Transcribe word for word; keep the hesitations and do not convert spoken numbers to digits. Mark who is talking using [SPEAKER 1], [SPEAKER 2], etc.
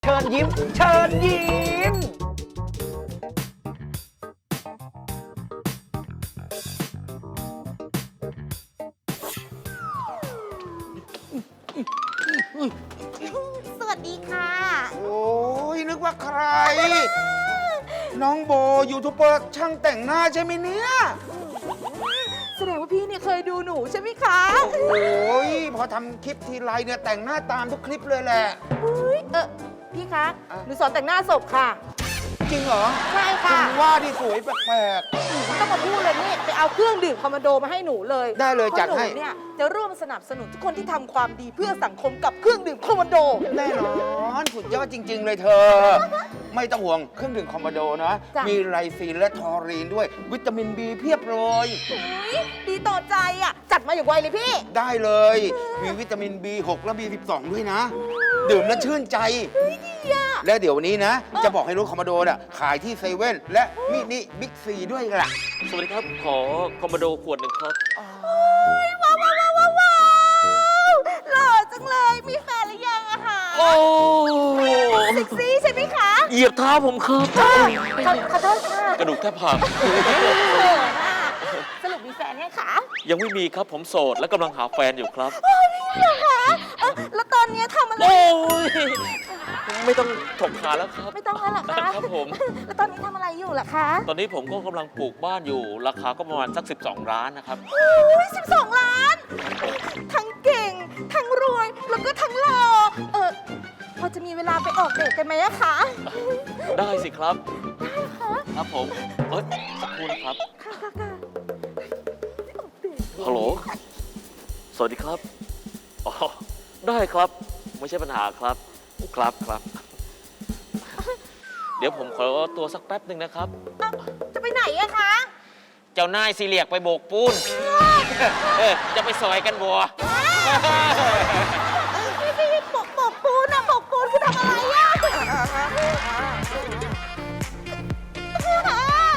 [SPEAKER 1] เชิญยิ้มเชิญยิ้ม
[SPEAKER 2] สวัสดีค่ะ
[SPEAKER 3] โอ้ยนึกว่าใคร น้องโบยูทูบเบอร์ช่างแต่งหน้าใช่ไหมเนี่ย
[SPEAKER 2] แสดงว่าพี่เนี่ยเคยดูหนูใช่ไหมคะ
[SPEAKER 3] โอ้ยพอทำคลิปทีไรเนี่ยแต่งหน้าตามทุกคลิปเลยแหละ
[SPEAKER 2] อุ๊ยเออพี่คะ
[SPEAKER 3] อ่ะ
[SPEAKER 2] หนูสอนแต่งหน้าศพค่ะ
[SPEAKER 3] จริงเหรอ
[SPEAKER 2] ใช่
[SPEAKER 3] คุ
[SPEAKER 2] ค่ะ
[SPEAKER 3] ณว่าที่สวยแปลก
[SPEAKER 2] ไม่ต้องมาพูดเลยนี่ไปเอาเครื่องดื่มคอมมานโดมาให้หนูเลย
[SPEAKER 3] ได้เลย
[SPEAKER 2] พราะ
[SPEAKER 3] จัดให้
[SPEAKER 2] นูเนี่ยจะร่วมสนับสนุนทุกคนที่ทำความดีเพื่อสังคมกับเครื่องดื่มคอมมานโด
[SPEAKER 3] ๆแน่นอนสุดยอดจริง ๆ เลยเธอ ไม่ต้องห่วงเครื่องดื่มคอมโบโดนะ
[SPEAKER 2] จ้ะ
[SPEAKER 3] มีไลซีนและทอรีนด้วย วิตามินบีเพียบเลย
[SPEAKER 2] อุ๊ยดีต่อใจอ่ะ จัดมาอย่างไวเลยพี่
[SPEAKER 3] ได้เลย มีวิตามิน บี หก และ บี สิบสอง ด้วยนะ ดื่มแล้วชื่นใจ และเดี๋ยววันนี้นะ จะบอกให้รู้คอมโบโดน่ะขายที่เซเว่นและมินิบิ๊กซีด้วยล่ะ
[SPEAKER 4] สวัสดีครับ ขอคอมโบโดขวดหนึ่งครับ
[SPEAKER 2] ว้าวว้าวว้าวว้าวว้าวหล่อจังเลย มีแฟนหรือยังอะคะ
[SPEAKER 4] โอ้
[SPEAKER 2] เซ็กซี่ใช่ไหมคะ
[SPEAKER 4] เหยียบเท้าผมครับ
[SPEAKER 2] ขอขอโทษค่ะ
[SPEAKER 4] กระดูกแทบหัก
[SPEAKER 2] เขินอะสรุปมีแฟนยังคะ
[SPEAKER 4] ยังไม่มีครับผมโสดและกำลังหาแฟนอยู่ครับ
[SPEAKER 2] โอ้ยนี่เหรอคะเอ้าแล้วตอนเนี้ยทำอะไร
[SPEAKER 4] โอ้ย ไม่ต้องถกขาแล้วครับ
[SPEAKER 2] ไม่ต้องแล้วเหรอคะ
[SPEAKER 4] ครับผม
[SPEAKER 2] แล้วตอนนี้ทำอะไรอยู่ล่ะคะ
[SPEAKER 4] ตอนนี้ผมก็กำลังปลูกบ้านอยู่ ราคาก็ประมาณสัก สิบสอง ล้านนะครับ
[SPEAKER 2] โอ้ยสิบสองล้าน ทั้งเก่ง ทั้งรวย แล้วก็ทั้งหล่อ เออพอจะมีเวลาไปออกเดทกันไหมอะคะ
[SPEAKER 4] ได้สิครับ
[SPEAKER 2] ได้ค่ะ
[SPEAKER 4] ครับผมเอ้ยสักครู่นะครับ
[SPEAKER 2] ค่ะค่ะค่ะไปออกเดท
[SPEAKER 4] ฮัลโหล สวัสดีครับ อ๋อ ได้ครับ ไม่ใช่ปัญหาครับ ครับครับ เดี๋ยวผมขอตัวสักแป๊บหนึ่งนะครับ
[SPEAKER 2] เอ้าจะไปไหนอะคะ
[SPEAKER 4] เจ้านายซีเรียกไปโบกปูน เออจะไปซอยกันบัว